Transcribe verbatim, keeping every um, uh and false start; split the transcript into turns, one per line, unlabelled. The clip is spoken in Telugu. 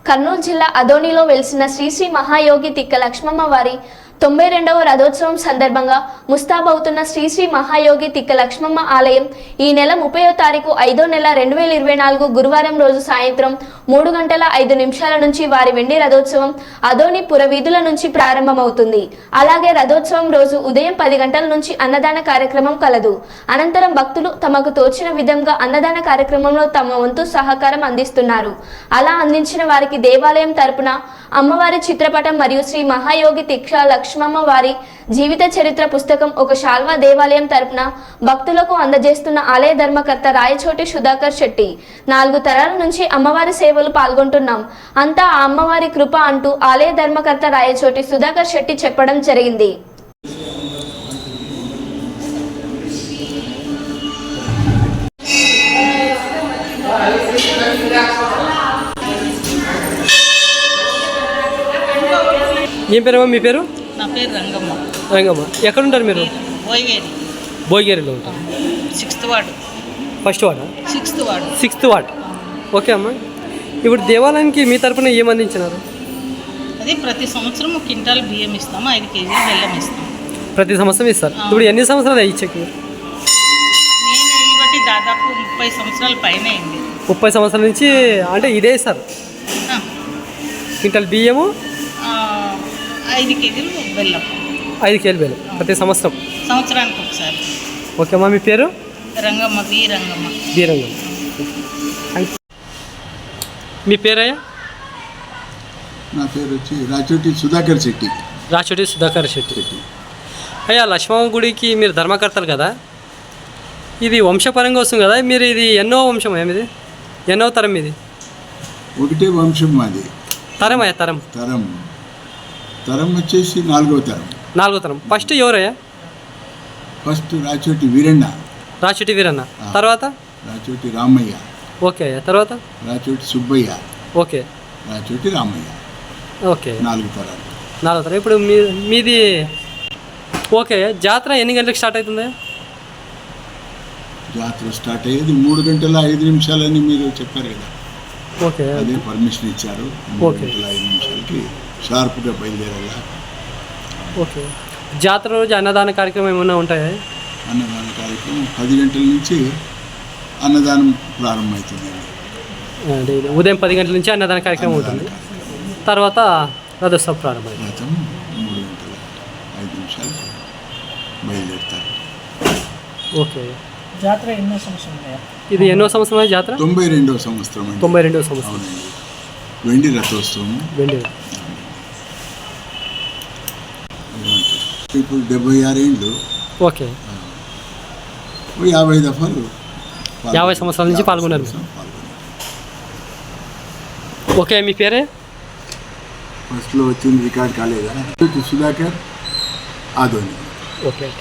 కర్నూలు జిల్లా అదోనిలో వెలిసిన శ్రీ శ్రీ మహాయోగి తిక్క లక్ష్మమ్మ వారి తొంభై రెండవ రథోత్సవం సందర్భంగా ముస్తాబవుతున్న శ్రీ శ్రీ మహాయోగి తిక్క లక్ష్మమ్మ ఆలయం ఈ నెల ముప్పైవ తారీఖు ఐదో నెల రెండు వేల ఇరవై నాలుగు గురువారం రోజు సాయంత్రం మూడు గంటల ఐదు నిమిషాల నుంచి వారి వెండి రథోత్సవం అదోని పురవీధుల నుంచి ప్రారంభమవుతుంది. అలాగే రథోత్సవం రోజు ఉదయం పది గంటల నుంచి అన్నదాన కార్యక్రమం కలదు. అనంతరం భక్తులు తమకు తోచిన విధంగా అన్నదాన కార్యక్రమంలో తమ వంతు సహకారం అందిస్తున్నారు. అలా అందించిన వారికి దేవాలయం తరపున అమ్మవారి చిత్రపటం మరియు శ్రీ మహాయోగి తిక్క లక్ష్మమ్మ వారి జీవిత చరిత్ర పుస్తకం ఒక శాల్వా దేవాలయం తరపున భక్తులకు అందజేస్తున్న ఆలయ ధర్మకర్త రాయచోటి సుధాకర్ శెట్టి. నాలుగు తరాల నుంచి అమ్మవారి సేవలు పాల్గొంటున్నాం, అంతా ఆ అమ్మవారి కృప అంటూ ఆలయ ధర్మకర్త రాయచోటి సుధాకర్ శెట్టి చెప్పడం జరిగింది.
ఏం పేరు మీ పేరు?
నా పేరు రంగమ్మ.
రంగమ్మ, ఎక్కడ ఉంటారు మీరు?
భోయగేరి.
భోయగేరిలో ఉంటారు.
Sixth ward.
ఫస్ట్ వార్డా?
Sixth ward.
Sixth ward. Okay అమ్మ, ఇప్పుడు దేవాలయానికి మీ తరపున ఏం అందించినారు?
అది ప్రతి సంవత్సరం ఒక క్వింటాల్ బియ్యం ఇస్తాము, ఐదు కేజీలు బెల్లం ఇస్తాం.
ప్రతి సంవత్సరం ఇస్తారు. ఇప్పుడు ఎన్ని సంవత్సరాలు ఇచ్చాక?
నేను ఈ బట్టి దాదాపు ముప్పై సంవత్సరాల పైన అయింది.
ముప్పై సంవత్సరాల నుంచి అంటే ఇదే ఇస్తారు. క్వింటాల్ బియ్యము,
ఐదు కేజీలు బెల్లం.
ఐదు కేజీలు బెల్లం ప్రతి సంవత్సరం,
సంవత్సరానికి ఒకసారి.
ఓకే అమ్మా, మీ పేరు?
రంగమ్మ. వి రంగమ్మ.
వి రంగమ్మ. మీ పేరయ్యా?
నా పేరు వచ్చి రాచోటి సుధాకర్ శెట్టి.
రాచోటి సుధాకర్ శెట్టి. అయ్యా, లక్ష్మమ్మ గుడికి మీరు ధర్మకర్తలు కదా, ఇది వంశపరంగా వస్తుంది కదా, మీరు ఇది ఎన్నో వంశం ఏమిది? ఎన్నో తరం ఇది?
ఒకటే వంశం మాది.
తరం అయ్యా? తరం
తరం తరం వచ్చేసి నాలుగో తరం.
నాలుగో తరం. ఫస్ట్ ఎవరయ్యా?
ఫస్ట్ రాచోటి వీరన్న.
రాచోటి వీరన్న. తర్వాత
రాచోటి రామయ్య.
ఓకే అయ్యా. తర్వాత
రాచోటి సుబ్బయ్య.
ఓకే.
రాచోటి రామయ్య.
ఓకే.
నాలుగు తరాలు.
నాలుగో తరం. ఇప్పుడు మీ మీది ఓకే. జాతర ఎన్ని గంటలకు స్టార్ట్ అవుతుంది?
జాతర స్టార్ట్ అయ్యేది మూడు గంటల ఐదు నిమిషాలని మీరు చెప్పారు కదా.
ఓకే.
అదే పర్మిషన్ ఇచ్చారు. మూడు గంటల ఐదు నిమిషాలకి షార్ప్గా బయలుదేరాల.
ఓకే. జాతర రోజు అన్నదాన కార్యక్రమం ఏమైనా ఉంటాయా?
అన్నదాన కార్యక్రమం పది గంటల నుంచి అన్నదానం ప్రారంభమవుతుందండి.
అంటే ఉదయం పది గంటల నుంచి అన్నదాన కార్యక్రమం ఉంటుంది. తర్వాత రథోత్సవం ప్రారంభం.
రథం మూడు గంటల ఐదు నిమిషాలు బయలుదేరుతారు.
ఓకే.
జాతర ఎన్నో సంవత్సరం?
ఇది ఎన్నో సంవత్సరం జాతర?
తొంభై రెండవ సంవత్సరం అండి.
తొంభై రెండవ సంవత్సరం.
వెండి రథోత్సవం.
వెండి.
ఇప్పుడు డెబ్బై ఆరేళ్ళు.
ఓకే.
యాభై దఫాలు
యాభై సంవత్సరాల నుంచి పాల్గొన్నారు. ఓకే. మీ పేరే?
ఫస్ట్లో వచ్చింది రికార్డ్ కాలేదా? సుధాకర్ ఆదోని.
ఓకే.